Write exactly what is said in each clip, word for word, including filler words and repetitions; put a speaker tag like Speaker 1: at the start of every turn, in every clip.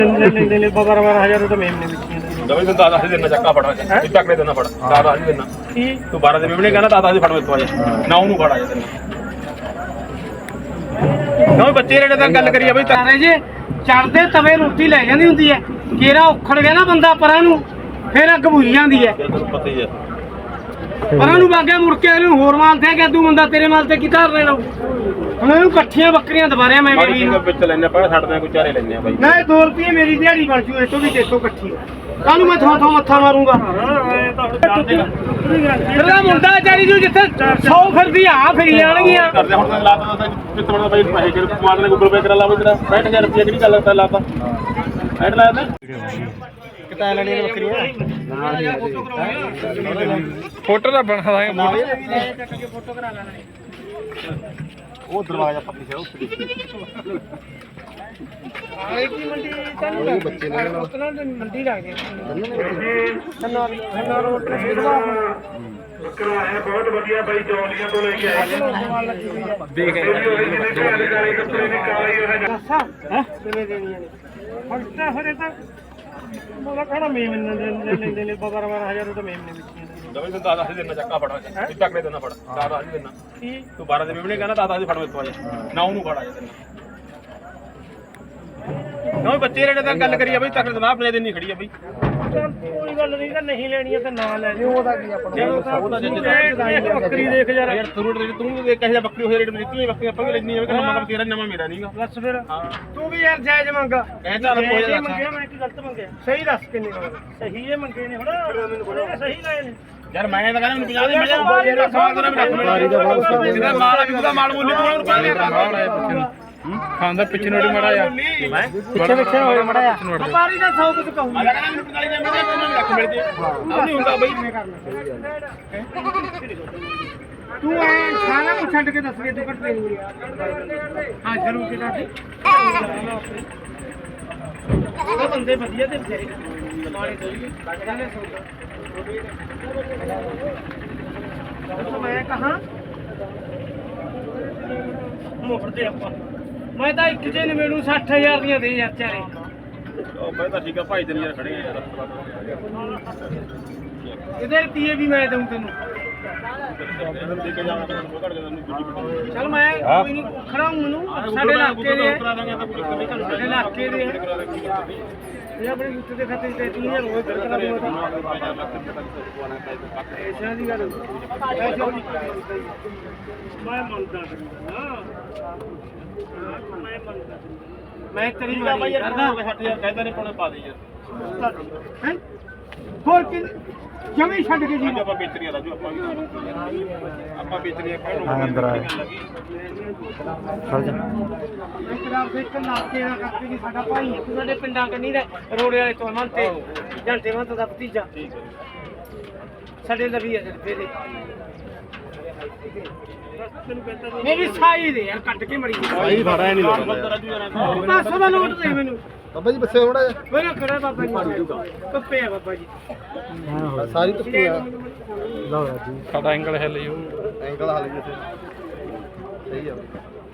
Speaker 1: ਲੈਂਦੇ ਨੇ ਬਾਰਾਂ ਬਾਰਾਂ ਹਜ਼ਾਰ ਤਾਂ ਮੇਮ ਨੇ ਵਿੱਚੀਆਂ
Speaker 2: ਦਵੇ ਤੂੰ ਦਾਦਾ ਦੇਣਾ ਚੱਕਾ ਫੜਾ ਇਹ ਚੱਕਲੇ ਦੇਣਾ ਫੜ ਦਾਦਾ ਜੀ ਦੇਣਾ
Speaker 1: ਕੀ
Speaker 2: ਤੂੰ ਬਾਰਾਂ ਦੇ ਮੇਮਣੇ ਕਹਿੰਦਾ ਦਾਦਾ ਜੀ ਫੜ ਮੇਤੋਂ ਆ ਜਾ ਨਾ ਉਹਨੂੰ ਫੜਾ ਜਾ ਤੈਨੂੰ ਨਾ ਬੱਚੇ ਰੇੜੇ ਤਾਂ ਗੱਲ ਕਰੀਏ ਬਈ
Speaker 1: ਤਾਰੇ ਜੇ ਚੜਦੇ ਤਵੇ ਰੋਟੀ ਲੈ ਜਾਂਦੀ ਹੁੰਦੀ ਹੈ ਕੇਰਾ ਉਖੜ ਗਿਆ ਨਾ ਬੰਦਾ ਪਰਾਂ ਨੂੰ ਫਿਰ ਅੱਗ ਬੁਝ ਜਾਂਦੀ ਹੈ
Speaker 2: ਤੈਨੂੰ ਪਤਾ ਹੀ ਹੈ
Speaker 1: ਪਰਾਂ ਨੂੰ ਵਾਗਿਆ ਮੁੜ ਕੇ ਇਹਨੂੰ ਹੋਰ ਮਾਲ ਤੇ ਕਿ ਤੂੰ ਬੰਦਾ ਤੇਰੇ ਮਾਲ ਤੇ ਕੀ ਧਾਰ ਲੈਣਾ ਹੁਣ ਇਹਨੂੰ ਇਕੱਠੀਆਂ ਬੱਕਰੀਆਂ ਦੁਬਾਰਿਆ ਮੈਂ
Speaker 2: ਮਾੜੀ ਜਿਹੀ ਵਿੱਚ ਲੈਣੇ ਪਾ ਛੱਡਦੇ ਕੋਈ ਚਾਰੇ ਲੈਣੇ ਆ ਬਾਈ
Speaker 1: ਨਾ ਇਹ ਦੋ ਰੁਪਏ ਮੇਰੀ ਦਿਹਾੜੀ ਬਣ ਜੂ ਇਤੋਂ ਵੀ ਤੇਤੋਂ ਇਕੱਠੀ ਕਾਹਨੂੰ ਮੈਂ ਥੋਂ ਥੋਂ ਮੱਥਾ ਮਾਰੂੰਗਾ ਤੇਰਾ ਮੁੰਡਾ ਚਾਰੀ ਜੂ ਜਿੱਥੇ ਸੌ ਫਿਰਦੀ ਆ ਫਿਰੀ ਜਾਣਗੀਆਂ
Speaker 2: ਕਰਦੇ ਹੁਣ ਤੈਨੂੰ ਲਾਤਾ ਤਾਂ ਕਿੱਥੇ ਬਣਾ ਬਾਈ ਪੈਸੇ ਕਿ ਮਾਰ ਨੇ ਗੂਗਲ ਪੇ ਕਰਾ ਲਾ ਬਈ ਤੇਰਾ ਪੈਂਹਠ ਹਜ਼ਾਰ ਰੁਪਏ ਕਿਹੜੀ ਗੱਲ ਕਰਦਾ ਲਾਤਾ ਐਡ ਲਾਇਆ ਤੇ
Speaker 1: ਕਿਤਾ ਲੈਣੀਆਂ ਬੱਕਰੀਆਂ
Speaker 2: ਫੋਟੋ ਦਾ ਬਣਾ ਦਾਂਗੇ
Speaker 1: ਫੋਟੋ ਕਰਾ ਲੈਣੇ
Speaker 2: ਉਹ ਦਰਵਾਜ਼ਾ ਪੱਕੀ ਸੀ ਉੱਥੇ
Speaker 1: ਆਏ ਕੀ ਮੰਡੀ ਤੈਨੂੰ ਬੱਚੇ ਨੇ ਉਤਨਾ ਮੰਡੀ ਲੱਗ ਗਈ ਸੰਨਾ ਸੰਨਾ ਰੋਡ ਤੇ ਸਿਰਵਾ ਬੱਕਰਾ ਹੈ ਬਹੁਤ ਵਧੀਆ ਬਾਈ ਜੌਲੀਆਂ ਤੋਂ ਲੈ ਕੇ ਆਏ ਦੇਖ ਹੈ ਕਿਵੇਂ ਦੇਣੀਆਂ ਨੇ ਫਸਟਾ ਫਰੇ ਤਾਂ ਮੋਲਾ ਕਹਣਾ ਮੇਮ ਨੇ ਲੈਂਦੇ ਨੇ ਬਾਰਾਂ ਬਾਰਾਂ ਹਜ਼ਾਰ ਤਾਂ ਮੇਮ ਨੇ ਵਿੱਚੀਆਂ
Speaker 2: ਦਵੇ ਤੂੰ ਦਾਦਾ ਦੇਣਾ ਚੱਕਾ ਫੜਾ ਇਹ ਚੱਕਲੇ ਦੇਣਾ ਫੜ ਦਾਦਾ ਜੀ ਦੇਣਾ
Speaker 1: ਕੀ
Speaker 2: ਤੂੰ ਬਾਰਾਂ ਦੇ ਮੇਮਣੇ ਕਹਿੰਦਾ ਦਾਦਾ ਜੀ ਫੜ ਮੇਤੋਂ ਆ ਜਾ ਨਾ ਉਹਨੂੰ ਫੜਾ ਜਾ ਤੈਨੂੰ ਨਾ ਬੱਚੇ ਰੇੜੇ ਤਾਂ ਗੱਲ ਕਰੀਏ ਬਈ ਤੱਕ ਜਨਾਬ ਆਪਣੇ ਦਿਨ ਨਹੀਂ ਖੜੀ ਆ ਬਈ
Speaker 1: ਕੋਈ ਗੱਲ ਨਹੀਂ ਤਾਂ ਨਹੀਂ ਲੈਣੀ ਤਾਂ ਨਾ ਲੈ ਲਿਓ ਉਹਦਾ ਕੀ ਆਪਣਾ ਉਹਦਾ ਜੇ ਬੱਕਰੀ ਦੇਖ ਯਾਰ
Speaker 2: ਯਾਰ ਤੂੰ ਤੂੰ ਦੇਖ ਕਿਹੋ ਜਿਹਾ ਬੱਕਰੀ ਹੋਏ ਰੇਟ ਦਿੱਤੀ ਬੱਕਰੀ ਆਪਾਂ ਵੀ ਲੈਣੀ ਆ ਕਿ ਨਵਾਂ ਕੰਮ ਤੇਰਾ ਨਵਾਂ ਮੇਰਾ ਨਹੀਂਗਾ
Speaker 1: ਬਸ ਫਿਰ ਤੂੰ ਵੀ ਯਾਰ ਜਾਇਜ਼ ਮੰਗ
Speaker 2: ਕਹਿੰਦਾ ਰੱਬ ਹੋਇਆ
Speaker 1: ਮੰਗਿਆ ਮੈਂ ਕੀ ਗਲਤ ਮੰਗਿਆ ਸਹੀ ਦੱਸ ਕਿੰਨੇ ਮੰਗੇ ਸਹੀ ਇਹ ਮੰਗੇ ਨੇ ਹੁਣ ਸਹੀ ਲਾਏ ਨੇ
Speaker 2: ਯਾਰ ਮੈਂ ਤਾਂ ਕਹਿੰਦਾ ਮੈਨੂੰ ਪੰਜਾਹ ਦੇ ਮਿਲ ਜਾ ਸਵਾਲ ਤੇਰਾ ਵੀ ਰੱਖ ਮਾਲ ਆ ਵੀ ਉਹਦਾ ਮਾਲ ਮੁੱਲ ਤੂੰ ਰੁਪਏ ਖਾਂਦਾ ਪਿੱਛੇ ਨੋੜੀ ਮੜਾ ਆ ਮੈਂ
Speaker 1: ਪਿੱਛੇ ਪਿੱਛੇ ਹੋਏ ਮੜਾ ਆ ਵਪਾਰੀ ਦਾ ਸੌ ਕੁਝ ਕਹੂੰ
Speaker 2: ਮੈਂ ਕਹਿੰਦਾ ਮੈਨੂੰ ਪੰਤਾਲੀ ਦੇ ਮਿਲ ਜਾ ਤੈਨੂੰ ਰੱਖ ਮਿਲ ਜੇ ਆ ਨਹੀਂ ਹੁੰਦਾ ਬਈ
Speaker 1: ਮੈਂ ਕਰਨਾ ਤੂੰ ਐ ਸਾਰਾ ਕੁਝ ਛੱਡ ਕੇ ਦੱਸ ਕੇ ਤੂੰ ਕੱਟ ਲੈਣੀ ਹਾਂ ਜ਼ਰੂਰ ਕਿ ਦੱਸ ਉਹ ਬੰਦੇ ਵਧੀਆ ਤੇ ਵਿਚਾਰੇ ਕਮਾਲੇ ਤੋਂ ਲੱਗਦੇ ਸੌਦਾ ਮੈਂ ਕਹਾਂ ਮੁਫਤੇ ਆਪਾਂ ਮੈਂ ਤਾਂ ਇੱਕ ਜੇ ਨੇ ਮੈਨੂੰ ਸੱਠ ਹਜ਼ਾਰ ਦੀਆਂ ਦੇ ਯਾਰ ਚਾਰੇ
Speaker 2: ਉਹ ਮੈਂ ਤਾਂ ਠੀਕ ਆ ਭਾਈ ਤੇਰੇ ਯਾਰ ਖੜੇ ਆ ਯਾਰ
Speaker 1: ਇਹਦੇ ਰੁਪਏ ਵੀ ਮੈਂ ਦਊਂ ਤੈਨੂੰ
Speaker 2: ਦੇ ਕੇ ਜਾਵਾਂ ਤੈਨੂੰ ਘੜ ਕੇ ਤੈਨੂੰ ਦੂਜੀ
Speaker 1: ਚਲ ਮੈਂ ਕੋਈ ਨਹੀਂ ਖੜਾ ਹੂੰ ਮੈਨੂੰ ਸਾਡੇ ਇਲਾਕੇ ਦੇ
Speaker 2: ਕਰਾ ਦਾਂਗੇ ਆਪਾਂ ਕੋਈ ਨਹੀਂ ਕਰ
Speaker 1: ਸਾਡੇ ਇਲਾਕੇ ਦੇ ਇਹ ਆਪਣੇ ਉੱਤੇ ਦੇ ਖਾਤੇ ਤੇ ਤੀਹ ਹਜ਼ਾਰ ਹੋਏ ਫਿਰ ਕਰਾ ਦੂੰਗਾ ਐਸਾ ਦੀ ਗੱਲ ਮੈਂ ਮੰਨਦਾ ਹਾਂ ਮੈਂ ਮੰਨਦਾ ਮੈਂ ਤੇਰੀ ਮਾਰੀ ਕਰਦਾ
Speaker 2: ਸੱਠ ਹਜ਼ਾਰ ਕਹਿੰਦਾ ਨੇ ਪਾਉਣੇ ਪਾ ਦੇ ਯਾਰ
Speaker 1: ਹੈ ਹੋਰ ਕਿ ਜਮੀ ਛੱਡ ਕੇ ਜੀ
Speaker 2: ਆਪਾਂ ਵੇਚਰੀਆਂ ਰਾਜੂ ਆਪਾਂ ਵੀ ਆਪਾਂ ਵੇਚਰੀਆਂ ਕਾਹਨੂੰ
Speaker 3: ਅੰਦਰ ਆ
Speaker 1: ਇਕਰਾਰ ਦੇ ਨਾਕੇ ਦਾ ਕਰਕੇ ਜੀ ਸਾਡਾ ਭਾਈ ਹੈ ਸਾਡੇ ਪਿੰਡਾਂ ਕੰਨੀ ਦਾ ਰੋੜੇ ਵਾਲੇ ਤੋਂ ਮਨ ਤੇ ਜੰਟੇ ਮਨ ਦਾ ਭਤੀਜਾ
Speaker 2: ਠੀਕ ਹੈ
Speaker 1: ਸਾਡੇ ਲਵੀ ਹੈ ਫਿਰ ਦੇ ਮੇਰੀ ਸਾਈ ਦੇ ਯਾਰ ਕੱਟ ਕੇ ਮੜੀ
Speaker 3: ਸਾਈ ਫੜਾ ਨਹੀਂ
Speaker 2: ਬੰਦਾ ਰਾਜੂ ਯਾਰ
Speaker 1: ਪੰਜ ਸੌ ਦਾ ਨੋਟ ਦੇ ਮੈਨੂੰ
Speaker 3: ਬਾਬਾ ਜੀ ਬੱਸੇ ਥੋੜਾ ਜਿਹਾ
Speaker 1: ਮੇਰਾ ਕਰਾ ਬਾਬਾ ਜੀ ਕੱਪੇ ਆ ਬਾਬਾ ਜੀ
Speaker 3: ਸਾਰੀ ਧੁੱਪੀ ਆ ਲਓ ਜੀ
Speaker 2: ਸਾਡਾ ਐਂਗਲ ਹੈ ਲਿਓ
Speaker 3: ਐਂਕਲ ਹਾਲ ਜੀ ਸਹੀ ਆ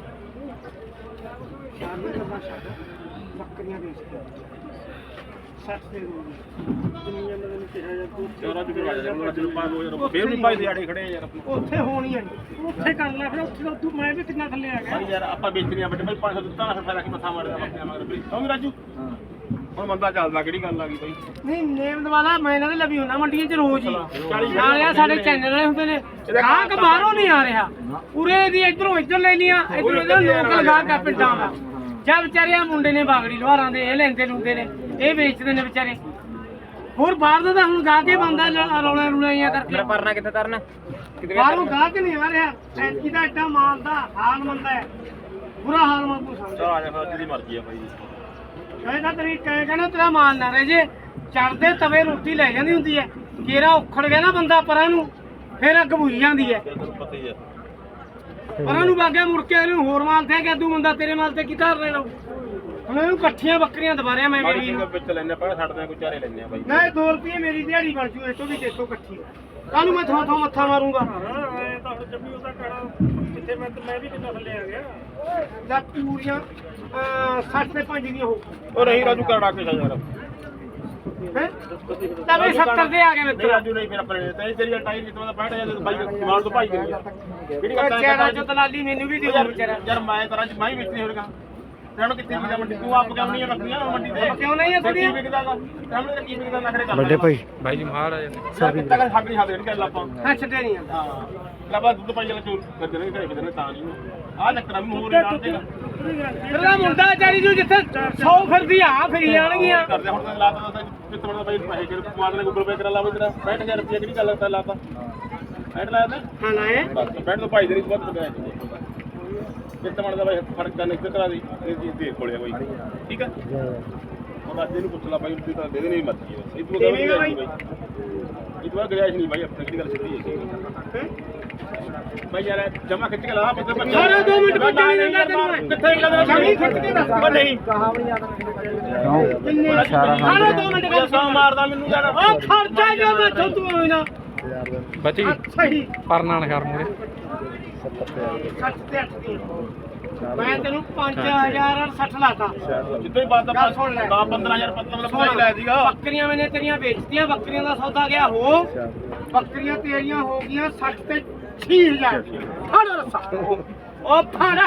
Speaker 1: ਬੱਕਰੀਆਂ ਦੇ ਸੱਠ ਦੇ ਦੁਨੀਆ ਮੈਨੂੰ ਕਿਹਾ ਜਾ ਤੂੰ
Speaker 2: ਚੋਰਾ ਵੀ ਕਰਵਾ ਜਾ ਰਾਜੂ ਨੂੰ ਪੰਜ ਹਜ਼ਾਰ ਫੇਰ ਵੀ ਭਾਈ ਦੇ ਆੜੇ ਖੜੇ ਆ ਯਾਰ ਆਪਣੇ
Speaker 1: ਉੱਥੇ ਹੋਣੀ ਹੈ ਉੱਥੇ ਕਰ ਲੈ ਫਿਰ ਉੱਥੇ ਤੂੰ ਮੈਂ ਵੀ ਕਿੰਨਾ ਥੱਲੇ ਆ ਗਿਆ
Speaker 2: ਭਾਈ ਯਾਰ ਆਪਾਂ ਵੇਚਰੀਆਂ ਵੱਡੇ ਭਾਈ ਪੰਜ ਸੌ ਦਿੱਤਾ ਨਾ ਫਾਇਦਾ ਕਿ ਮੱਥਾ ਮਾਰਦਾ ਆਪਣੇ ਮਗਰ ਵੀ ਕਿਉਂ ਰਾਜੂ ਹੁਣ ਬੰਦਾ ਚੱਲਦਾ ਕਿਹੜੀ ਗੱਲ ਆ ਗਈ ਭਾਈ
Speaker 1: ਨਹੀਂ ਨੇਮ ਦਵਾਲਾ ਮੈਂ ਇਹਨਾਂ ਦੇ ਲਵੀ ਹੁੰਦਾ ਮੰਡੀਆਂ 'ਚ ਰੋਜ਼ ਹੀ ਨਾਲੇ ਸਾਡੇ ਚੈਨਲ ਵਾਲੇ ਹੁੰਦੇ ਨੇ ਗਾਹਕ ਬਾਹਰੋਂ ਨਹੀਂ ਆ ਰਿਹਾ ਉਰੇ ਦੀ ਇਧਰੋਂ ਇੱਧਰ ਲੈ ਲੀਆਂ ਇਧਰੋਂ ਇਧਰ ਲੋਕਲ ਗਾਹਕ ਆ ਪਿੰਡਾਂ ਦਾ ਜਾਂ ਵਿਚਾਰਿਆ ਮੁੰਡੇ ਨੇ ਬਾਗੜੀ ਲੋਹਾਰਾਂ ਦੇ ਇਹ ਲੈਂਦੇ ਲੁੰਦੇ ਨੇ ਇਹ ਵੇਚਦੇ ਨੇ ਵਿਚਾਰੇ ਹੋਰ ਬਾਹਰ ਦਾ ਤਾਂ ਹੁਣ ਗਾਹਕ ਹੀ ਬੰਦਾ ਰੌਲੇ ਰੁਲਾਈਆਂ ਕਰਕੇ
Speaker 2: ਪਰਨਾ ਕਿੱਥੇ ਤਰਨਾ
Speaker 1: ਬਾਹਰੋਂ ਗਾਹਕ ਨਹੀਂ ਆ ਰਿਹਾ ਐਂਟੀ ਦਾ ਐਡਾ ਮਾਲ ਦਾ ਹਾਲ ਮੰਦਾ ਹੈ ਬੁਰਾ ਹਾਲ ਮੰਗੂ ਸਮਝ
Speaker 2: ਚਲ ਆ ਜਾ ਫਿਰ ਜਿਹਦੀ ਮਰਜ਼ੀ ਆ ਭਾਈ
Speaker 1: ਕਹਿੰਦਾ ਤੇਰੀ ਕਹਿੰਦਾ ਤੇਰਾ ਮਾਲ ਨਾ ਰਹੇ ਜੇ ਚੜਦੇ ਤਵੇ ਰੋਟੀ ਲੈ ਜਾਂਦੀ ਹੁੰਦੀ ਹੈ ਕੇਰਾ ਉਖੜ ਗਿਆ ਨਾ ਬੰਦਾ ਪਰਾਂ ਨੂੰ ਫਿਰ ਅੱਗ ਬੁਝ ਜਾਂਦੀ ਹੈ
Speaker 2: ਤੈਨੂੰ ਪਤਾ ਹੀ ਆ
Speaker 1: ਪਰਾਂ ਨੂੰ ਵਾਗਿਆ ਮੁੜ ਕੇ ਇਹਨੂੰ ਹੋਰ ਮਾਲ ਤੇ ਕਿ ਤੂੰ ਬੰਦਾ ਤੇਰੇ ਮਾਲ ਤੇ ਕੀ ਧਾਰ ਲੈਣਾ ਹੁਣ ਇਹਨੂੰ ਇਕੱਠੀਆਂ ਬੱਕਰੀਆਂ ਦੁਬਾਰਿਆ ਮੈਂ
Speaker 2: ਮਾੜੀ ਜਿਹੀ ਵਿੱਚ ਲੈਣੇ ਪਾ ਛੱਡਦੇ ਕੋਈ ਚਾਰੇ ਲੈਣੇ ਆ ਬਾਈ
Speaker 1: ਨਾ ਇਹ ਦੋ ਰੁਪਏ ਮੇਰੀ ਦਿਹਾੜੀ ਬਣ ਜੂ ਇਤੋਂ ਵੀ ਤੇਤੋਂ ਇਕੱਠੀ ਕਾਹਨੂੰ ਮੈਂ ਥੋਂ ਥੋਂ ਮੱਥਾ ਮਾਰੂੰਗਾ ਇੱਥੇ ਮੈਂ ਮੈਂ ਵੀ ਕਿੰਨਾ ਥੱਲੇ ਆ ਗਿਆ ਲੈ ਪੂਰੀਆਂ ਸੱਠ ਤੇ ਪੰਜ ਦੀਆਂ ਹੋ
Speaker 2: ਉਹ ਨਹੀਂ ਰਾਜੂ ਕਰੜਾ ਕੇ ਯਾਰ
Speaker 1: ਹੈ ਤਾਂ ਵੀ ਸੱਤਰ ਦੇ ਆ ਗਏ
Speaker 2: ਨਹੀਂ
Speaker 1: ਮਿੱਤਰ
Speaker 2: ਰਾਜੂ ਨਹੀਂ ਫਿਰ ਆਪਣੇ ਤੇ ਤੇਰੀ ਟਾਈਰ ਜਿੱਤਵਾ ਦਾ ਪੈਂਹਠ ਹਜ਼ਾਰ ਦੇ ਬਾਈ ਮਾਲ ਤੋਂ ਭਾਈ ਕਰੀ ਕਿਹੜੀ ਗੱਲ
Speaker 1: ਉਹ ਚਿਹਰਾ ਚੋਂ ਦਲਾਲੀ ਮੈਨੂੰ ਵੀ ਦਿਓ ਵਿਚਾਰਾ
Speaker 2: ਯਾਰ ਮੈਂ ਤਰ੍ਹਾਂ ਚ ਮੈਂ ਹੀ ਵੇਚਣੀ ਹੋਵੇਗਾ ਤੈਨੂੰ ਕਿੱਥੇ ਵਿਕਦਾ ਮੰਡੀ ਤੂੰ ਆਪ ਕਿਉਂ ਨਹੀਂ ਰੱਖਦੀਆਂ ਮੰਡੀ ਤੇ
Speaker 1: ਕਿਉਂ ਨਹੀਂ ਹੈ
Speaker 2: ਥੋੜੀ
Speaker 1: ਥੋੜੀਆਂ
Speaker 2: ਵਿਕਦਾਗਾ ਤੈਨੂੰ ਕੀ ਵਿਕਦਾ ਨਖਰੇ ਕਰ
Speaker 3: ਵੱਡੇ ਭਾਈ
Speaker 2: ਭਾਈ ਜੀ ਮਹਾਰਾਜ ਨੇ ਸਭ ਤੱਕ ਹੱਕ ਨਹੀਂ ਹੱਥ ਦੇਣ ਕਰ ਲਾਪਾਂ
Speaker 1: ਹਾਂ ਛੱਡਣੀਆਂ
Speaker 2: ਹਾਂ ਲੱਭਾ ਦੁੱਧ ਪਾਈ ਜਲਾ ਚੋਰ ਕਰ ਦੇਣਗੇ ਘਰੇ ਕਿਤੇ ਤਾਂ ਨਹੀਂ ਆਹ ਚੱਕਰਾਂ ਵੀ ਮੂਹਰੇ ਨਾਲ ਦੇਗਾ
Speaker 1: ਤੇਰਾ ਮੁੰਡਾ ਚਾਰੀ ਜੂ ਜਿੱਥੇ ਸੌ ਫਿਰਦੀ ਆ ਫਿਰੀ ਜਾਣਗੀਆਂ
Speaker 2: ਕਰਦੇ ਹੁਣ ਤਾਂ ਲਾਤਾ ਤਾਂ ਕਿਤੇ ਬੜਾ ਭਾਈ ਪੈਸੇ ਕਰ ਕੁਮਾਰ ਨੇ ਗੂਗਲ ਪੇ ਕਰਾ ਲਾਵੇ ਤੇਰਾ ਪੈਂਹਠ ਹਜ਼ਾਰ ਰੁਪਏ ਕਿਹੜੀ ਗੱਲ ਕਰਦਾ ਲਾਤਾ ਪੈਂਹਠ ਲਾਇਆ ਤੇ
Speaker 1: ਹਾਂ ਲਾਏ
Speaker 2: ਬਸ ਪੈਂਹਠ ਤੋਂ ਭਾਈ ਦੇ ਨਹੀਂ ਬਹੁਤ ਬਗਾਇਆ ਕਿਤੇ ਬਣਦਾ ਭਾਈ ਫਰਕ ਕਰਨਾ ਇੱਕ ਤਰ੍ਹਾਂ ਦੀ ਇਹ ਚੀਜ਼ ਦੇ ਕੋਲੇ ਕੋਈ ਠੀਕ ਹੈ ਹੁਣ ਅੱਜ ਇਹਨੂੰ ਪੁੱਛ ਲਾ ਭਾਈ ਤੂੰ ਤਾਂ ਦੇ ਦੇ ਨਹੀਂ ਮਰਜ਼ੀ ਹੈ ਇਹ ਤੂੰ
Speaker 1: ਦੇਵੇਂਗਾ ਬਾਈ?
Speaker 2: ਇਹ ਤੂੰ ਗਰਿਆਜ ਨਹੀਂ ਭਾਈ ਆਪਣੀ ਕਿਹੜੀ ਗੱਲ ਸਿੱਧੀ ਹੈ ਭਾਈ ਯਾਰ ਜਮਾ ਖਿੱਚ ਕੇ ਲਾ ਮਤਲਬ ਬੱਚਾ
Speaker 1: ਸਾਰੇ ਦੋ ਮਿੰਟ ਬਾਅਦ ਜਾਣੀ ਦਿੰਦਾ ਤੈਨੂੰ ਮੈਂ।
Speaker 2: ਕਿੱਥੇ ਗੱਲ
Speaker 1: ਜਮੀ ਖਿੱਚ ਕੇ ਦੱਸ
Speaker 2: ਉਹ ਨਹੀਂ
Speaker 1: ਕਿੰਨੇ ਸਾਰੇ ਦੋ ਮਿੰਟ ਗੱਲ
Speaker 2: ਸੌ ਮਾਰਦਾ ਮੈਨੂੰ ਯਾਰ
Speaker 1: ਉਹ ਖਰਚਾ ਜੋ ਮੈਂ ਤੂੰ ਹੋਈ ਨਾ
Speaker 2: ਬਚੀ
Speaker 1: ਸਹੀ
Speaker 2: ਪਰਨਾ ਨਾ ਕਰ ਮੂਰੇ
Speaker 1: ਸੱਠ ਤੇ ਅੱਠ ਦੀ ਮੈਂ ਤੈਨੂੰ ਪੰਜ ਹਜ਼ਾਰ ਸੱਠ ਲਾਤਾ
Speaker 2: ਜਿੱਦੋਂ ਹੀ ਬਾਤ ਦਾ
Speaker 1: ਗੱਲ ਸੁਣ ਲੈ।
Speaker 2: ਪੰਦਰਾਂ ਹਜ਼ਾਰ ਮਤਲਬ ਭਾਈ ਲੈ ਸੀਗਾ
Speaker 1: ਬੱਕਰੀਆਂ ਮੈਨੇ ਤੇਰੀਆਂ ਵੇਚਤੀਆਂ ਬੱਕਰੀਆਂ ਦਾ ਸੌਦਾ ਗਿਆ ਹੋ ਬੱਕਰੀਆਂ ਤੇਰੀਆਂ ਹੋ ਗਈਆਂ ਸੱਠ ਤੇ ਛੇ ਹਜ਼ਾਰ ਫੜ ਰਸਾ ਉਹ ਫੜ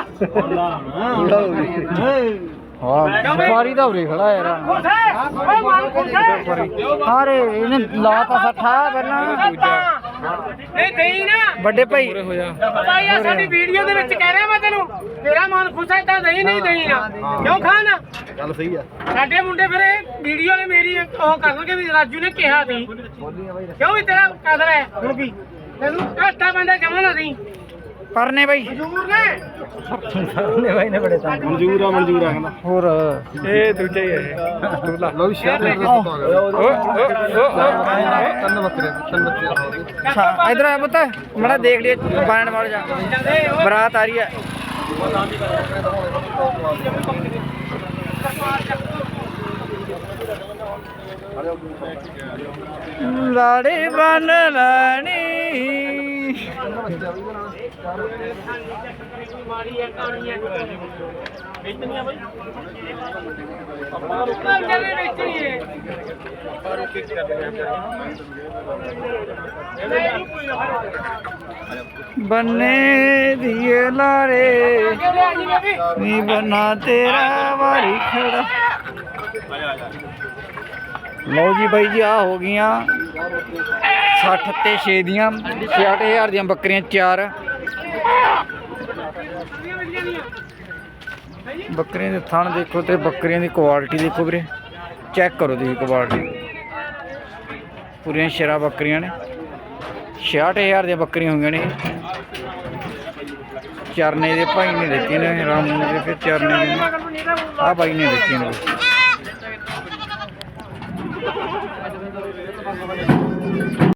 Speaker 3: ਹਾਂ ਵਪਾਰੀ ਦਾ ਉਰੇ ਖੜਾ ਯਾਰ
Speaker 1: ਖੁਸ਼ ਹੈ ਉਹ ਮਾਲ ਖੁਸ਼ ਹੈ
Speaker 3: ਹਾਰੇ ਇਹਨੇ ਲਾਤਾ ਸੱਠਾ ਪਹਿਲਾਂ
Speaker 1: ਨਹੀਂ ਦੇਈ ਨਾ
Speaker 3: ਵੱਡੇ ਭਾਈ
Speaker 1: ਭਾਈ ਆ ਸਾਡੀ ਵੀਡੀਓ ਦੇ ਵਿੱਚ ਕਹਿ ਰਿਹਾ ਮੈਂ ਤੈਨੂੰ ਤੇਰਾ ਮਨ ਖੁਸ਼ ਹੈ ਤਾਂ ਨਹੀਂ ਨਹੀਂ ਦੇਈ ਨਾ ਕਿਉਂ ਖਾਣਾ
Speaker 3: ਗੱਲ ਸਹੀ ਆ
Speaker 1: ਸਾਡੇ ਮੁੰਡੇ ਫਿਰ ਇਹ ਵੀਡੀਓ ਨੇ ਮੇਰੀ ਉਹ ਕਰਨਗੇ ਵੀ ਰਾਜੂ ਨੇ ਕਿਹਾ ਸੀ ਕਿਉਂ ਵੀ ਤੇਰਾ ਕਦਰ ਹੈ ਹੁਣ ਵੀ ਤੈਨੂੰ ਘਾਟਾ ਪੈਂਦਾ ਜਮਾ ਨਾ ਨਹੀਂ
Speaker 3: ਕਰਨੇ ਭਾਈ
Speaker 1: ਮਜ਼ਦੂਰ ਨੇ
Speaker 3: ਕਰਨੇ ਭਾਈ ਨੇ ਬੜੇ ਤਾਂ
Speaker 2: ਮਨਜ਼ੂਰ ਆ ਮਨਜ਼ੂਰ ਆ ਕਹਿੰਦਾ
Speaker 3: ਹੋਰ
Speaker 2: ਇਹ ਦੂਜਾ ਹੀ ਹੈ
Speaker 3: ਲਓ ਵੀ ਸ਼ੇਅਰ ਲੈ ਕੇ ਤਿੰਨ ਬੱਕਰੇ ਤਿੰਨ ਬੱਕਰੇ ਇਧਰ ਆ ਪੁੱਤ ਮੜਾ ਦੇਖ ਲਈ ਬਾਣ ਵਾਲ ਜਾ ਬਰਾਤ ਆ ਰਹੀ ਹੈ ਲਾੜੇ ਬਨ ਲੈਣੀ
Speaker 1: ਮਾੜੀ ਹੈ ਕਹਾਣੀ ਹੈ
Speaker 2: ਵੇਚਣੀਆਂ ਬਾਈ
Speaker 1: ਆਪਾਂ ਰੁਕਣਾ ਚੱਲੇ ਵੇਚਣੀ ਹੈ
Speaker 2: ਆਪਾਂ ਰੋਕ ਕੇ ਕਰਦੇ ਆ
Speaker 3: ਬੰਨੇ ਦੀਏ ਲਾੜੇ ਨੀ ਬਨਾ ਤੇਰਾ ਵਾਰੀ ਖੜਾ ਲਓ ਜੀ ਬਾਈ ਜੀ ਆ ਹੋ ਗਈਆਂ ਸੱਠ ਤੇ ਛੇ ਦੀਆਂ ਛਿਆਹਠ ਹਜ਼ਾਰ ਦੀਆਂ ਬੱਕਰੀਆਂ ਚਾਰ ਬੱਕਰੀਆਂ ਦੇ ਥਣ ਦੇਖੋ ਤੇ ਬੱਕਰੀਆਂ ਦੀ ਕੁਆਲਿਟੀ ਦੇਖੋ ਵੀਰੇ ਚੈੱਕ ਕਰੋ ਤੁਸੀਂ ਕੁਆਲਿਟੀ ਪੂਰੀਆਂ ਸ਼ੇਰਾ ਬੱਕਰੀਆਂ ਨੇ ਛਿਆਹਠ ਹਜ਼ਾਰ ਦੀਆਂ ਬੱਕਰੀਆਂ ਹੋਈਆਂ ਨੇ ਚਰਨੇ ਦੇ ਭਾਈ ਨੇ ਦਿੱਤੀਆਂ ਨੇ ਰਾਮ ਨੇ ਫਿਰ ਚਰਨੇ ਦੇ ਆ ਬਾਈ ਨੇ ਦਿੱਤੀਆਂ ਨੇ